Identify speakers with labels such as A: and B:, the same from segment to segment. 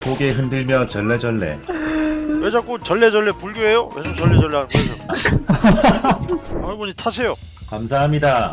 A: 고개 흔들며 절레절레.
B: 왜 자꾸 절레절레 불교예요? 왜 좀 절레절레 하는 거예요? 할머니 타세요.
A: 감사합니다.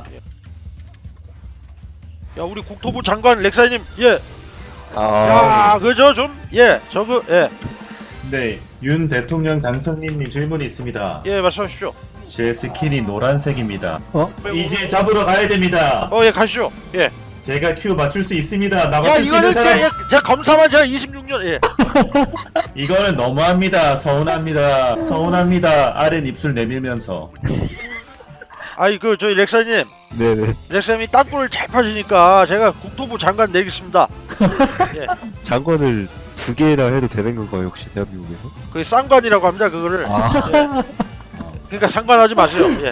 B: 야 우리 국토부 장관 렉사이님 예.
C: 아,
B: 야 그저 좀 예 저거 예.
A: 네, 윤 대통령 당선인님 질문이 있습니다.
B: 예 말씀하십시오.
A: 제 스킨이 노란색입니다.
D: 어?
A: 이제 잡으러 가야 됩니다.
B: 예 가시죠. 예.
A: 제가 큐 맞출 수 있습니다. 나
B: 야
A: 맞출 수 있는
B: 이거는
A: 사람.
B: 제가 검사만 제가 26년 예.
A: 이거는 너무합니다. 서운합니다. 서운합니다. 아랫 입술 내밀면서.
B: 아이 그 저희 렉사님
C: 네네.
B: 렉사님이 땅굴을 잘 파시니까 제가 국토부 장관 내리겠습니다. 예.
C: 장관을 2개나 해도 되는 건가요, 혹시 대한민국에서?
B: 그게 쌍관이라고 합니다 그거를.
C: 아,
B: 그러니까 상관하지 마세요. 예.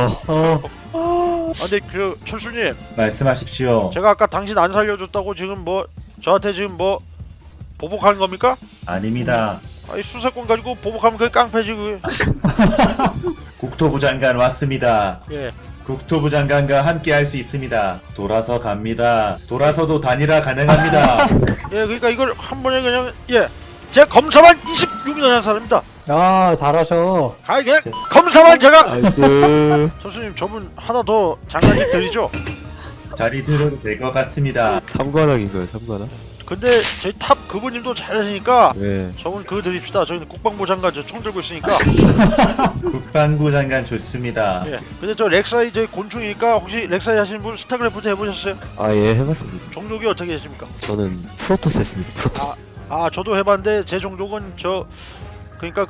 D: 어,
B: 근데 그 철수님
A: 말씀하십시오.
B: 제가 아까 당신 안 살려줬다고 지금 뭐 저한테 지금 뭐 보복하는 겁니까?
A: 아닙니다.
B: 아이 수사권 가지고 보복하면 그게 깡패지 그게.
A: 국토부 장관 왔습니다.
B: 예.
A: 국토부 장관과 함께 할 수 있습니다. 돌아서 갑니다. 돌아서도 단일화 가능합니다.
B: 예 그러니까 이걸 한 번에 그냥 예. 제가 검사만 26년 한 사람입니다.
D: 야, 잘하셔.
B: 가 그냥 검사만 제가.
C: 나이스.
B: 철수님 저분 하나 더 장관님 드리죠.
A: 자리 들어도 될 것 같습니다.
C: 3관왕인가요, 3관왕?
B: 근데 저희 탑 그분님도 잘하시니까
C: 네.
B: 저분 그거 드립시다. 저희는 국방부 장관 저 총 들고 있으니까.
A: 국방부 장관 좋습니다.
B: 예. 근데 저 렉사이 저희 곤충이니까 혹시 렉사이 하시는 분 스타크래프트 해보셨어요?
C: 아, 예, 해봤습니다.
B: 종족이 어떻게 되십니까?
C: 저는 프로토스 했습니다, 프로토스.
B: 아 저도 해봤는데 제 종족은 저 그러니까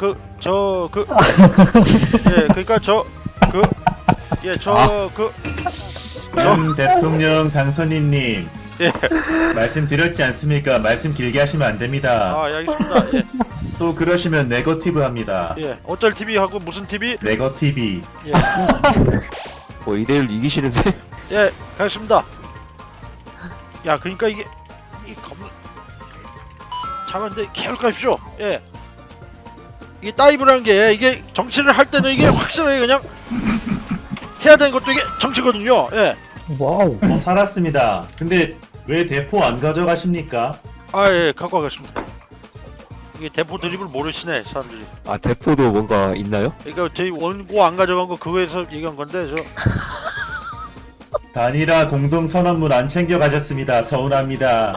B: 예 그러니까
A: 윤 대통령 당선인님
B: 예.
A: 말씀드렸지 않습니까? 말씀 길게 하시면 안 됩니다.
B: 아 예, 알겠습니다. 예.
A: 또 그러시면 네거티브 합니다.
B: 예. 어쩔 TV 하고 무슨 TV?
A: 네거티브.
B: 예.
C: 뭐 2대1 이기시는데?
B: 예. 가겠습니다. 야 그러니까 이게 이 검 잠깐데 계속하십시오. 예. 이게 다이브라는 게 이게 정치를 할 때는 이게 확실하게 그냥 해야 되는 것도 이게 정치거든요. 예.
D: 와우.
A: 살았습니다. 근데 왜 대포 안 가져가십니까?
B: 아 예. 갖고 가겠습니다. 이게 대포 드립을 모르시네 사람들이.
C: 아, 대포도 뭔가 있나요?
B: 그러니까 저희 원고 안 가져간 거 그거에서 얘기한 건데 저
A: 단일화 공동선언문 안 챙겨 가셨습니다. 서운합니다.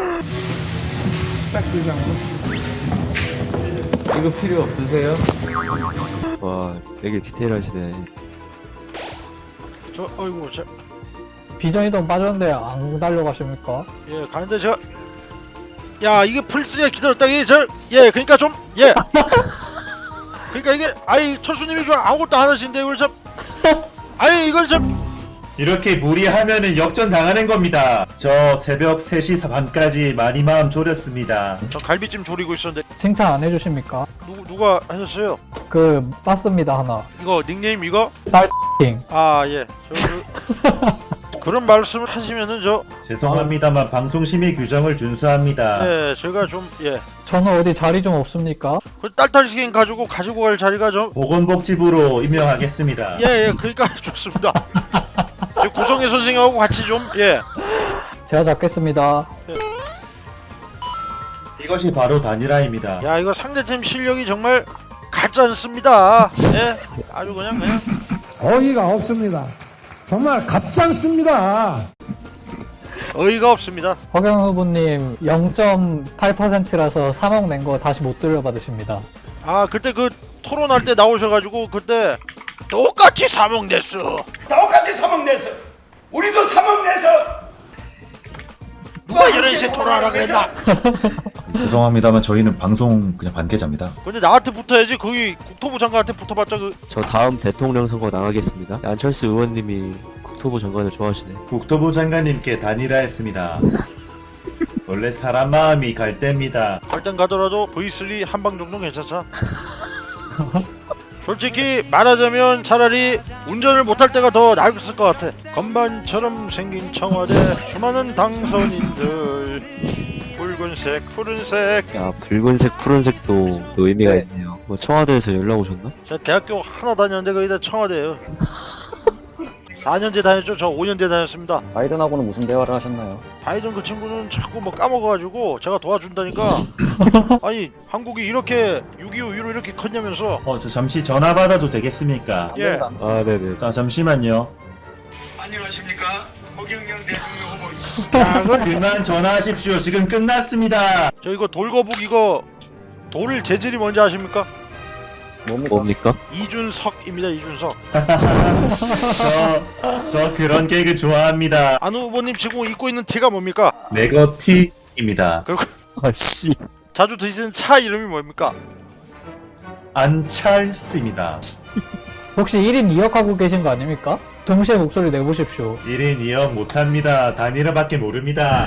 E: 이거 필요 없으세요?
C: 와, 되게 디테일하시네.
B: 저 어이구 저
D: 비전이동 빠졌는데 안 달려가십니까?
B: 예 가는데 제가 야 이게 플스가 기다렸다 이게 저예 그러니까 좀 예 그러니까 이게 아이 철수님이 좀 아무것도 안 하시는데 이걸 참 아이 이걸 좀
A: 이렇게 무리하면은 역전 당하는 겁니다. 저 새벽 3시 반까지 많이 마음 졸였습니다.
B: 저 갈비찜 조리고 있었는데
D: 칭찬 안 해주십니까?
B: 누가 하셨어요?
D: 그, 맞습니다, 하나.
B: 이거 닉네임 이거?
D: 킹.
B: 아예 그런 말씀을 하시면은 저
A: 죄송합니다만 방송심의 규정을 준수합니다.
B: 예 제가 좀예
D: 저는 어디 자리 좀 없습니까?
B: 그 딸딸시킨 가지고 갈 자리가 좀
A: 보건복지부로 임명하겠습니다.
B: 예 그러니까 좋습니다. 저 구성애 선생님하고 같이 좀예
D: 제가 잡겠습니다.
A: 이것이 바로 단일화입니다.
B: 야 이거 상대팀 실력이 정말 같지 않습니다. 예 아주 그냥
F: 어이가 없습니다. 정말 가짜습니다.
B: 어이가 없습니다.
D: 허경 후보님 0.8%라서 3억 낸 거 다시 못 돌려받으십니다.
B: 아 그때 그 토론할 때 나오셔가지고 그때 똑같이 3억 냈어.
G: 똑같이 3억 내서 우리도 3억 내서
B: 누가 이런 식으로 토론하라 그랬나?
A: 죄송합니다만 저희는 방송 그냥 관계자입니다.
B: 근데 나한테 붙어야지. 거기 국토부 장관한테 붙어봤자 그
C: 저 다음 대통령 선거 나가겠습니다. 안철수 의원님이 국토부 장관을 좋아하시네.
A: 국토부 장관님께 단일화했습니다. 원래 사람 마음이 갈 때입니다.
B: 갈땐 가더라도 V3 한방 정도 괜찮자. 솔직히 말하자면 차라리 운전을 못할 때가 더 나았을 것 같아. 건반처럼 생긴 청와대 수많은 당선인들 붉은색 푸른색.
C: 야, 붉은색, 푸른색도 또 의미가 있네요. 뭐 청와대에서 연락 오셨나?
B: 저 대학교 하나 다녔는데 거기다 청와대예요. 4년제 다녔죠. 저 5년제 다녔습니다.
H: 바이든하고는 무슨 대화를 하셨나요?
B: 바이든 그 친구는 자꾸 뭐 까먹어가지고 제가 도와준다니까. 아니 한국이 이렇게 6.25 이후로 이렇게 컸냐면서.
A: 저 잠시 전화 받아도 되겠습니까?
B: 예.
C: 아, 네네.
A: 자, 잠시만요.
G: 안녕하십니까? 허경영 대통령 후보입니다.
B: 야, 그건
A: 그만 전화하십시오. 지금 끝났습니다.
B: 저 이거 돌거북 이거 돌 재질이 뭔지 아십니까?
C: 뭡니까?
B: 이준석입니다. 이준석.
A: 저 그런 개그 좋아합니다.
B: 안우 후보님 지금 입고 있는 티가 뭡니까?
A: 네거티입니다.
B: 그리고
C: 아씨.
B: 자주 드시는 차 이름이 뭡니까?
A: 안찰스입니다.
D: 혹시 1인 2역 하고 계신 거 아닙니까? 동시에 목소리 내보십시오.
A: 1인 2역 못합니다. 단일화밖에 모릅니다.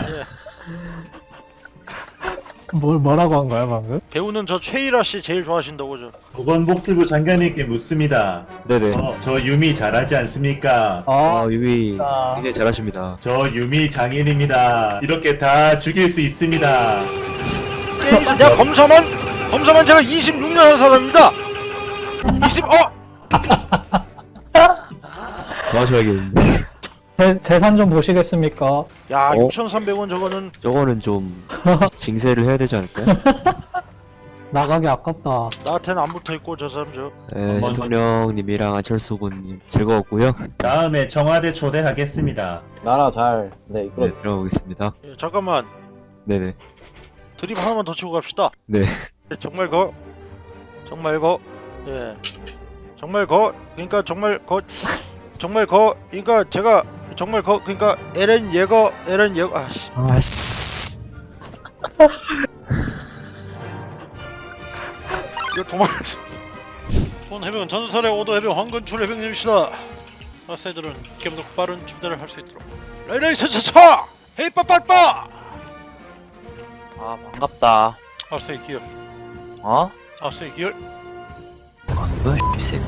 D: 뭐라고 한 거야 방금?
B: 배우는 저 최일아 씨 제일 좋아하신다고 저.
A: 보건복지부 장관님께 묻습니다.
C: 네네.
A: 저 유미 잘하지 않습니까?
C: 아, 유미
D: 아.
C: 굉장히 잘하십니다.
A: 저 유미 장인입니다. 이렇게 다 죽일 수 있습니다.
B: 게임에서 내가 검사만 제가 26년 한 사람입니다. 20
C: 더 하셔야겠는데.
D: 재산 좀 보시겠습니까?
B: 야 6,300원 저거는
C: 저거는 좀 징세를 해야 되지 않을까요?
D: 나가기 아깝다.
B: 나한테는 안 붙어있고 저 사람 저.
C: 네, 대통령님이랑 안철수 후보님 즐거웠고요.
A: 다음에 청와대 초대하겠습니다.
H: 나라 잘, 네, 이끌어.
C: 네, 들어보겠습니다.
B: 예, 잠깐만
C: 네네.
B: 드립 하나만 더 치고 갑시다.
C: 네.
B: 예, 정말 예 정말 그러니까 제가 정말 그러니까 LN 예거 아씨
C: 아씨.
B: 이거 도망가자. 본 해병은 전설의 오도 해병 황건출 해병님이시다. 아세들은 기분도 빠른 춤대를 할 수 있도록. 레이레이 차차차 헤이 빠빠빠.
I: 아 반갑다.
B: 아세이 기열.
I: 어?
B: 아세이 기열.
I: 뭐야 이 새끼.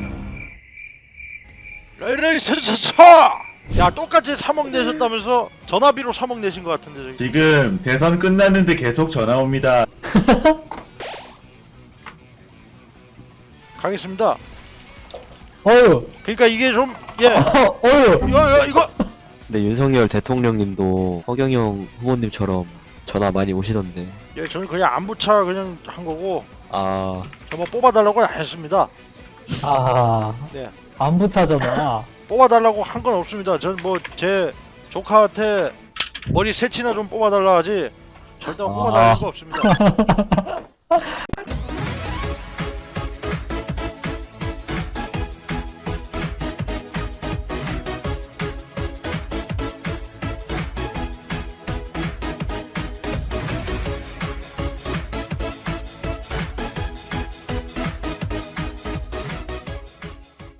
B: 레이레이 차차차. 야 똑같이 3억 내셨다면서 전화비로 3억 내신 것 같은데 저기.
A: 지금 대선 끝났는데 계속 전화 옵니다.
B: 가겠습니다.
D: 어휴.
B: 그러니까 이게 좀 예.
D: 어휴.
B: 이거
C: 근데 윤석열 대통령님도 허경영 후보님처럼 전화 많이 오시던데.
B: 예 저는 그냥 안부차 그냥 한 거고
C: 아,
B: 저 뭐 뽑아달라고 안 했습니다.
D: 아.
B: 네.
D: 안부차잖아.
B: 뽑아달라고 한 건 없습니다. 전 뭐 제 조카한테 머리 새치나 좀 뽑아달라 하지 절대 뽑아달라는 거 없습니다.